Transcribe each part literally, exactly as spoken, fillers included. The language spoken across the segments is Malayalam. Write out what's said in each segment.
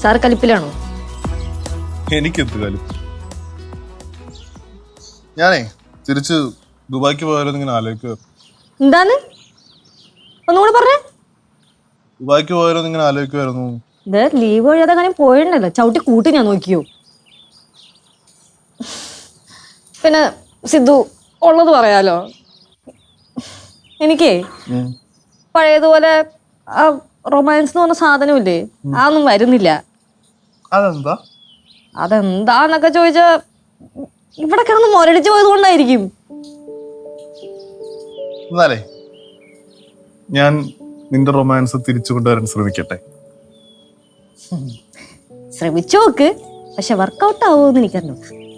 സാർ കലിപ്പിലാണോ? എനിക്കെന്ത് കലിപ്പ്? ഞാനേ തിരിച്ച് ദുബായിക്ക് പോയാലും ഇങ്ങനെ ആലോചിക്കുക. എന്താന്ന് ഒന്നുകൂടെ പറഞ്ഞേ? ദുബായിക്ക് പോയാലും ഇങ്ങനെ ആലോചിക്കുമായിരുന്നു. ഇത് ലീവ് കഴിയാതെ കാര്യം പോയിട്ടുണ്ടല്ലോ, ചവിട്ടി കൂട്ടി ഞാൻ നോക്കിയോ. പിന്നെ സിദ്ധു ഉള്ളത് പറയാലോ, എനിക്കേ പഴയതുപോലെ ആ റൊമാൻസ് എന്ന് പറഞ്ഞ സാധനമില്ലേ, അതൊന്നും വരുന്നില്ല. അതെന്താ? അതെന്താന്നൊക്കെ ചോദിച്ചാ ഇവിടെ കിടന്ന് മുരടിച്ചു പോയത് കൊണ്ടായിരിക്കും. എന്നാലേ ഞാൻ നിന്റെ റൊമാൻസ് തിരിച്ചു കൊണ്ടുവരാൻ ശ്രമിക്കട്ടെ. ശ്രമിച്ചു നോക്ക്, പക്ഷെ വർക്കൗട്ട് ആവുമെന്ന് എനിക്കറിഞ്ഞു.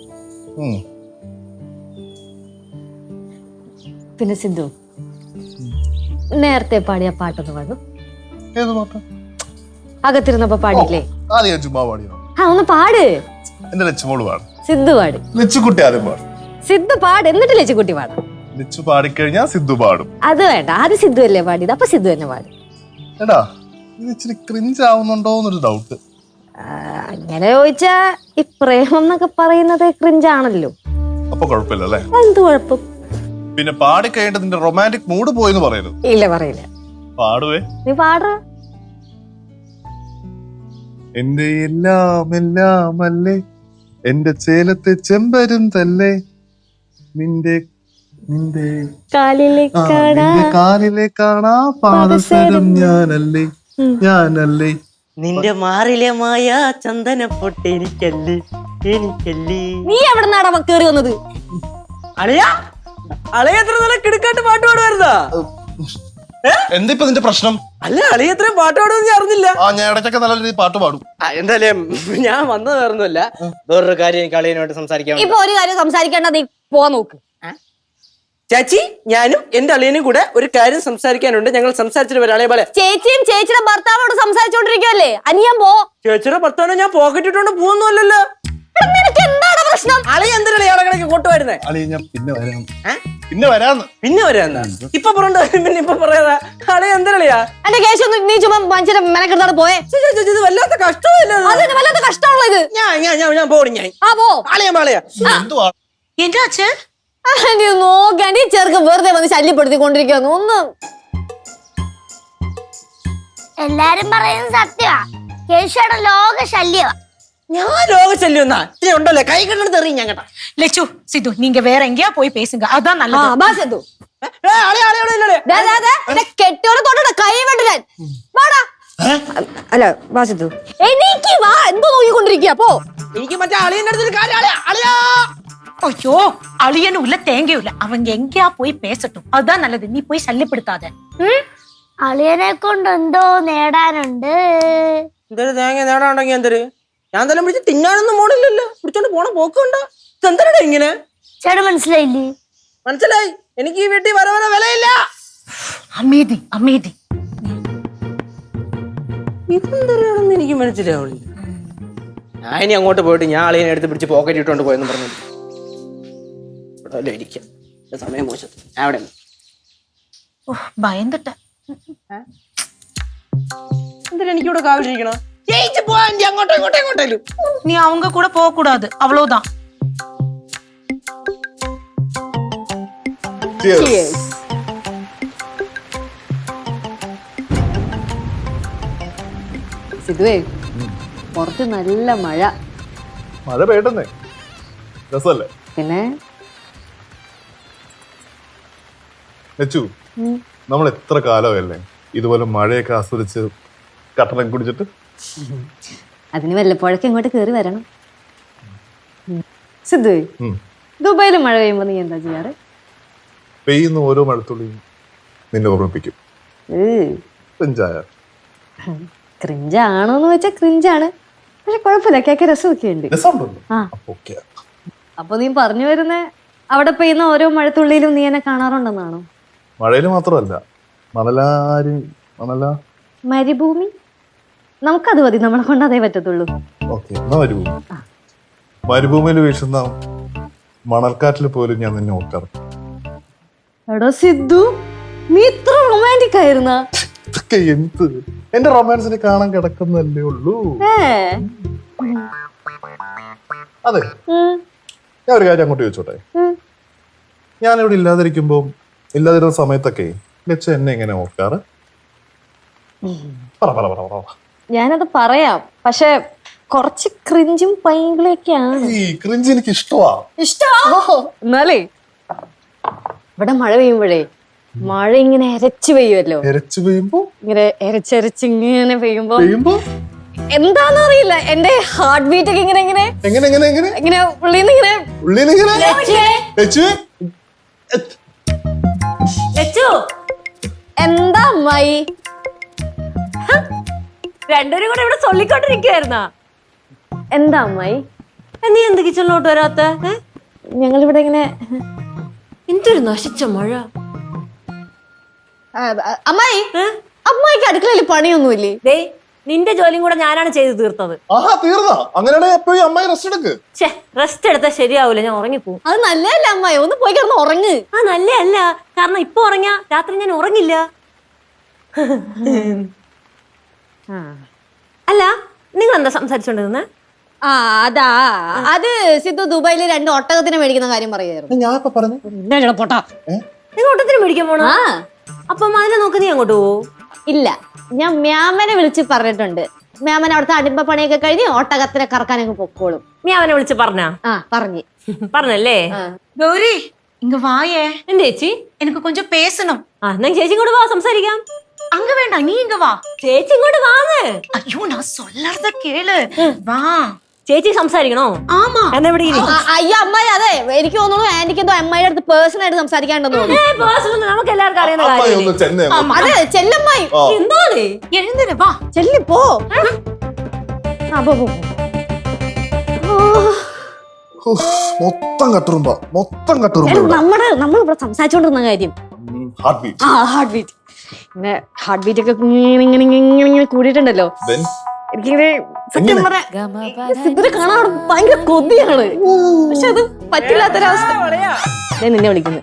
പിന്നെ സിദ്ധു, നേരത്തെ പാടിയ പാട്ടൊന്ന് പാടും. ഏത് പാട്ട്? അകത്തിരുന്നപ്പോ പാടിയില്ലേ? ചുമ്മാ പാടിയോ? ആ ഒന്ന് പാട്. എന്റെ ലച്ചുമോള് പാടും. സിദ്ധു പാട്. ലച്ചുകുട്ടി ആദ്യം പാടും. സിദ്ധു പാട്, എന്നിട്ട് ലച്ചുകുട്ടി പാടാം. ലച്ചു പാടിക്കഴിഞ്ഞാ സിദ്ധു പാടും. അത് വേണ്ട, ആദ്യം സിദ്ധു അല്ലേ പാടിയത്, അപ്പൊ സിദ്ധു തന്നെ പാടും. എടാ ഇത് ഇച്ചിരി ക്രിഞ്ച് ആവുന്നുണ്ടോ എന്നൊരു ഡൗട്ട്. അങ്ങനെ ചോദിച്ചാ ഈ പ്രേമം എന്നൊക്കെ പറയുന്നത് ക്രിഞ്ചാണല്ലോ. അപ്പൊ കുഴപ്പമില്ല അല്ലേ? എന്ത് കുഴപ്പം? പിന്നെ പാടിക്കഴിഞ്ഞിട്ട് നിന്റെ റൊമാൻറ്റിക് മൂഡ് പോയെന്ന് പറയരുത്. ഇല്ല, പറയില്ല. പാടുവേ. നീ പാട. എന്റെ എല്ലാം എല്ലാം അല്ലേ, എന്റെ ചേലത്തെ ചെമ്പരും തല്ലേ, നിന്റെ നിന്റെ കാലിലെ കാണാ കാലിലെ കാണാ പാദസരം ഞാനല്ലേ ഞാനല്ലേ. നിന്റെ മാറിലെ മായ ചന്ദന പൊട്ട് എനിക്കല്ലേ എനിക്കല്ലേ. നീ എവിടെ നിന്നാടാ കേറി വന്നത്? അളിയാ അളിയ എത്ര നല്ല കിടക്കാട്ട് പാട്ട് പാടുവായിരുന്നാ? എന്താ ഇപ്പൊ നിന്റെ പ്രശ്നം? അല്ല അളിയ എത്ര പാട്ട് പാടുമെന്ന് ഞാൻ അറിഞ്ഞില്ല. ആ ഞാൻ ഇടയ്ക്കൊക്കെ നല്ല രീതിയിൽ പാട്ട് പാടും. എന്തായാലും ഞാൻ വന്നത് വേറൊന്നുമല്ല, വേറൊരു കാര്യം എനിക്ക് അളിയനോട്ട് സംസാരിക്കാൻ. ഇപ്പൊ ഒരു കാര്യം സംസാരിക്കേണ്ട, നീ പോവാൻ നോക്ക്. ചേച്ചി, ഞാനും എന്റെ അളിയനും കൂടെ ഒരു കാര്യം സംസാരിക്കാനുണ്ട്. ഞങ്ങൾ സംസാരിച്ചിട്ട് വരാം. അളിയ പോലെ ചേച്ചിയും ചേച്ചിയുടെ ഭർത്താവോട് സംസാരിച്ചോണ്ടിരിക്കുവല്ലേ, അനിയൻ പോ. ചേച്ചിയുടെ ഭർത്താവിനെ ഞാൻ പോക്കറ്റ് ഇട്ടോണ്ട് പോകുന്നല്ലോ. എന്താണ് പ്രശ്നം? അളിയ എന്തിനാണ് ഇയാളെ കണക്ക് കൊട്ടുവായിരുന്നേ? അളിയ ഞാൻ പിന്നെ വരാം പിന്നെ വരാന്ന് പിന്നെ വരാന്നാ ഇപ്പൊ പറഞ്ഞ പിന്നെ ഇപ്പൊ പറയാ. അളിയ എന്തിനാളിയാ എന്റെ കേസ് നീ ചുമ്മാ മനുഷ്യരെ മെനക്കെടുത്താണ് പോയെ. ഇത് വല്ലാത്ത കഷ്ടമല്ലേ? വല്ലാത്ത കഷ്ടമുള്ള ഇത്. ഞാൻ ഞാൻ ഞാൻ പോണി ഞാൻ ആ പോ. അളിയ അളിയ എന്തുവാ എന്താ നോക്കാണ്ടി ചെറുക്ക് വെറുതെ വന്ന് ശല്യപ്പെടുത്തിക്കൊണ്ടിരിക്കുന്നു. ഒന്ന് എല്ലാരും പറയുന്നത് സത്യമാ, കേശുടെ ലോക ശല്യമാ. ഞാൻ ലോക ശല്യം എന്നാ ഇനി ഉണ്ടല്ലേ കൈ കണ്ടെടുത്ത് എറിയും ഞാൻ കേട്ടാ. லெச்சு சித்து நீங்க வேற எங்கேயா போய் பேசுங்க, அதான் நல்லது. കെട്ടിയോടെ തൊട്ട കൈ വെട്ടാൻ വാടാ. അല്ല വാ സിദ്ധു, എനിക്ക് വാ. എന്തോ നോക്കിക്കൊണ്ടിരിക്കുക? പോ. എനിക്ക് മറ്റേ അളിയന്റെ അടുത്തൊരു കാര്യം. അളിയാ അളിയാ ஐயோ அழியனும் இல்ல தேங்கையும் இல்ல, அவங்க எங்கேயா போய் பேசட்டும், அதுதான் நல்லது. நீ போய் ശല്യപ്പെടുത്താத. അളിയനെ കൊണ്ട് എന്തോ നേടാനുണ്ട്. എന്തൊരു തേങ്ങ നേടാനുണ്ടെങ്കി എന്തൊരു ഞാൻ തന്നെ പിടിച്ച് തിന്നാനൊന്നും പോണില്ലല്ലോ. പിടിച്ചോണ്ട് പോണ പോക്കുണ്ടോ? ഇതെന്താ ഇങ്ങനെ? ചേട്ടൻ മനസ്സിലായില്ലേ? മനസ്സിലായി. എനിക്ക് ഈ വീട്ടിൽ വര വര വിലയില്ല. அமைதி அமைதி. ഇതെന്താണെന്ന് എനിക്ക് മനസ്സിലാവുന്നില്ല. ഞാൻ ഇനി അങ്ങോട്ട് പോയിട്ട് ഞാൻ അളിയനെ എടുത്ത് പിടിച്ച് പോക്കറ്റ് ഇട്ടോണ്ട് പോയെന്ന് പറഞ്ഞു ഇവിടെ ഇരിക്കാം. സമയം മോശം. ഞാൻ അവിടെ பயந்துட்டேன். എന്തിനാ എനിക്കിവിടെ കാവിലിരിക്കണോ? ജയിച്ചു പോവാൻ അങ്ങോട്ടോ ഇങ്ങോട്ടോ ഇങ്ങോട്ടേലും. நீ அவங்க கூட போக கூடாது, அவ்வளவுதான். സിദ്ധുവേ, പുറത്ത് നല്ല മഴ. മഴ പെയ്യട്ടെന്നേ, രസല്ലേ? പിന്നെ ലച്ചു, നമ്മൾ എത്ര കാലമല്ലേ ഇതുപോലെ മഴയൊക്കെ ആസ്വദിച്ച് കട്ടനം കുടിച്ചിട്ട്? അതിന് വല്ലപ്പോഴൊക്കെ ഇങ്ങോട്ട് കേറി വരണം. സിദ്ധുവേ, ദുബായിൽ മഴ പെയ്യുമ്പോ നീ എന്താ ചെയ്യാറ്? പെയ്യുന്ന ഓരോ മഴത്തുള്ളിയും നിന്നെ ഓർമ്മിപ്പിക്കും. ക്രിഞ്ചായ ക്രിഞ്ചാണോന്ന് വെച്ചാൽ ക്രിഞ്ചാണ്, പക്ഷെ കുഴപ്പമില്ല, കേക്ക രസമൊക്കെ ഉണ്ട്. അപ്പൊ നീ പറഞ്ഞു വരുന്നേ അവിടെ പെയ്യുന്ന ഓരോ മഴത്തുള്ളിയിലും നീ എന്നെ കാണാറുണ്ടെന്നാണോ? മഴയില് മാത്രമല്ല, മണലാരി മണല മരുഭൂമി നമുക്കത് മതി, നമ്മളെ കൊണ്ട് അതേ പറ്റത്തുള്ളൂ. മരുഭൂമി മരുഭൂമിയിൽ വീശുന്ന മണൽക്കാറ്റിൽ പോലും ഞാൻ നിന്നെ ഓർക്കാറ്. എടോ സിദ്ധു, നീ ഇത്ര റൊമാൻറ്റിക് ആയിരുന്ന? എന്ത് എന്റെ റൊമാൻസിനെ കാണാൻ കിടക്കുന്നല്ലേ ഉള്ളൂ. അതെ, ഞാൻ ഒരു കാര്യം അങ്ങോട്ട് ചോദിച്ചോട്ടെ. ഞാനിവിടെ ഇല്ലാതിരിക്കുമ്പോ ഇല്ലാതിരുന്ന സമയത്തൊക്കെ ലച്ച എന്നെ എങ്ങനെ ഓർക്കാറ്? പറ പറ പറ പറ. ഞാനത് പറയാം, പക്ഷെ കുറച്ച് ക്രിഞ്ചും പൈങ്കിളൊക്കെയാണ്. ഈ ക്രിഞ്ച് എനിക്ക് ഇഷ്ടമാ. ഇഷ്ടമാ? എന്നാലേ ഇവിടെ മഴ പെയ്യുമ്പോഴേ മഴ ഇങ്ങനെ എരച്ചു പെയ്യുമല്ലോ. എരച്ചു പെയ്യുമ്പോ ഇങ്ങനെ എരച്ചരച്ച് ഇങ്ങനെ പെയ്യുമ്പോ പെയ്യുമ്പോ എന്താന്ന് അറിയില്ല, എന്റെ ഹാർട്ട് ബീറ്റ് ഒക്കെ ഇങ്ങനെ ഇങ്ങനെ എങ്ങനെ എങ്ങനെ എങ്ങനെ ഇങ്ങനെ ഉള്ളിന്ന് ഇങ്ങനെ ഉള്ളിന്ന് ഇങ്ങനെ ലച്ചു ലച്ചു. എന്താ അമ്മായി രണ്ടുപേരും കൂടെ ഇവിടെ ചൊല്ലിക്കൊണ്ടിരിക്കുവായിരുന്നാ? എന്താ അമ്മായി നീ എന്ത് കിച്ചണിലോട്ട് വരാത്ത? ഞങ്ങളിവിടെ ഇങ്ങനെ എന്തൊരു നശിച്ച മഴ. അമ്മായി, അമ്മായിക്ക് അടുക്കളയിൽ പണിയൊന്നുമില്ലേ? ദേ നിന്റെ ജോലിയും കൂടെ ഞാനാണ് ചെയ്ത് തീർത്തത്. ആഹാ, തീർന്നാ? അങ്ങനെയാണെങ്കിൽ എപ്പോഴും അമ്മായി റെസ്റ്റ് എടുക്ക്. ഛേ, റെസ്റ്റ് എടുത്താൽ ശരിയാവൂല, ഞാൻ ഉറങ്ങിപ്പോവും. അത് നല്ലതല്ല അമ്മായി, ഒന്ന് പോയി കിടന്ന് ഉറങ്ങ്. ആ നല്ലതല്ല, കാരണം ഇപ്പൊ ഉറങ്ങിയാ രാത്രി ഞാൻ ഉറങ്ങില്ല. അല്ല, നിങ്ങൾ എന്താ സംസാരിച്ചോണ്ടിരുന്നെ? ആ അതാ, അത് സിദ്ധു ദുബായില് രണ്ട് ഒട്ടകത്തിനെ മേടിക്കുന്ന കാര്യം പറയായിരുന്നു. ഞാൻ ഇപ്പൊ പറഞ്ഞു. പൊട്ടാ, നിങ്ങൾ ഒട്ടകത്തിന് മേടിക്കാൻ പോണോ? അപ്പം അതിനെ നോക്ക്, നീ അങ്ങോട്ട് പോവോ? ഇല്ല, ഞാൻ മ്യാമനെ വിളിച്ച് പറഞ്ഞിട്ടുണ്ട്. മ്യാമൻ അവിടുത്തെ അടിമ്പ പണിയൊക്കെ കഴിഞ്ഞ് ഒട്ടകത്തിനെ കറക്കാനൊക്കെ പൊക്കോളും. മ്യാമനെ വിളിച്ച് പറഞ്ഞാ? ആ പറഞ്ഞു. പറഞ്ഞല്ലേ? கௌரி இங்க வாயே. എന്താ ചേച്ചി? எனக்கு கொஞ்சம் பேசணும். ആ എന്നാ ചേച്ചി ഇങ്ങോട്ട് വാ, സംസാരിക്കാം. அங்க வேண்டாம், நீ இங்க வா. ചേച്ചി ഇങ്ങോട്ട് വാങ്ങ്. ஐயோ, நான் சொல்லறத கேளு. வா. ചേച്ചി സംസാരിക്കണോ? ആമാ. എന്നാ ഇവിടെ ഇരി. അയ്യോ അമ്മായി, അതെ എനിക്ക് തോന്നുന്നു ആന്റിക്ക് എന്തോ അമ്മായിയുടെ അടുത്ത് പേഴ്സണൽ ആയിട്ട് സംസാരിക്കാണ്ടെന്ന് തോന്നുന്നു. നമുക്ക് എല്ലാവർക്കും അറിയുന്ന കാര്യം. അതെ ചെല്ലമ്മായി. എന്താണ്? எழுந்துரு வா. ചെല്ലി പോ. ആ പോ പോ. മൊത്തം കട്ടുറുമ്പ, മൊത്തം കട്ടുറുമ്പ. നമ്മുടെ നമ്മൾ ഇവിടെ സംസാരിച്ചോണ്ടിരുന്ന കാര്യം ഹാർട്ട് ബീറ്റ്. ആ ഹാർട്ട് ബീറ്റ് ഇങ്ങനെ ഹാർട്ട് ബീറ്റ് ഒക്കെ ഇങ്ങനെ ഇങ്ങനെ ഇങ്ങനെ ഇങ്ങനെ കൂടിയിട്ടുണ്ടല്ലോ. എനിക്കിങ്ങനെ സത്യം പറയാം സിദ്ധുനെ കാണാൻ ഭയങ്കര കൊതിയാണ്, പക്ഷെ അത് പറ്റില്ലാത്തൊരവസ്ഥ. ഞാൻ നിന്നെ വിളിക്കുന്നു.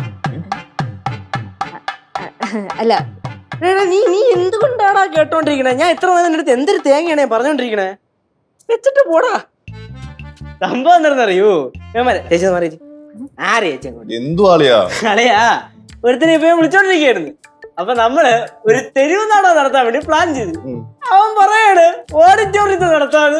അല്ല നീ നീ എന്തുകൊണ്ടാടാ കേട്ടോണ്ടിരിക്കണേ? ഞാൻ ഇത്ര നേരം അടുത്ത് എന്തൊരു തേങ്ങയാണേ പറഞ്ഞോണ്ടിരിക്കണേ. വെച്ചിട്ട് പോടാ. സംഭവം എന്താണെന്നറിയൂ? ചേച്ചി മാറി ആരെ ചേച്ചി എന്തു ആളിയാ അളയാ ഒരുത്തിനെ ഇപ്പൊ വിളിച്ചോണ്ടിരിക്കയായിരുന്നു. അപ്പൊ നമ്മള് ഒരു തെരുവ് നാടകം നടത്താൻ വേണ്ടി പ്ലാൻ ചെയ്തു. അവൻ പറയാണ് ഓഡിറ്റോറിയത്തിൽ നടത്താന്ന്.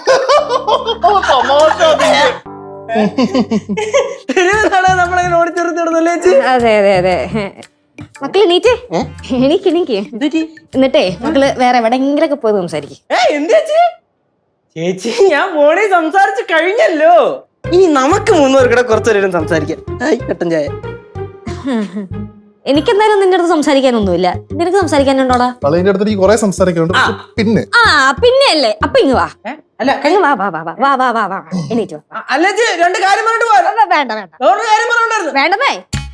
തെരുവ് നാടകം നമ്മളിങ്ങനെ ഓഡിറ്റോറിയത്തിൽ നടന്നല്ലേ ചേച്ചി? അതെ അതെ അതെ. മക്കള് എണീറ്റ് എണീക്ക് എണീക്ക്. എന്നിട്ടേ മക്കള് വേറെ എവിടെങ്കിലൊക്കെ പോയി സംസാരിക്കും. ഏ എന്ത് ചേച്ചി? ചേച്ചി ഞാൻ ഫോണിൽ സംസാരിച്ച് കഴിഞ്ഞല്ലോ, ഇനി നമുക്ക് മൂന്നുപേർക്കിടെ കുറച്ചു നേരം സംസാരിക്കാം. കട്ടൻ ചായ. എനിക്കെന്തായാലും നിന്റെ അടുത്ത് സംസാരിക്കാനൊന്നുമില്ല. നിനക്ക് സംസാരിക്കാനുണ്ടോടാ? കളീന്റെ അടുത്ത് എനിക്ക് കുറെ സംസാരിക്കാനുണ്ട്. പിന്നെ ആ പിന്നെ അല്ലേ, അപ്പൊ ഇങ്ങ് വാ. അല്ല വാ വാ വാ വാ വാ വാ വാ വാ എണീറ്റ് വാ. അല്ല രണ്ട് കാര്യം പറഞ്ഞിട്ട് പോരാ. വേണ്ട വേണ്ട വേറൊരു കാര്യം പറഞ്ഞിട്ടുണ്ടായിരുന്നു. വേണ്ടതേ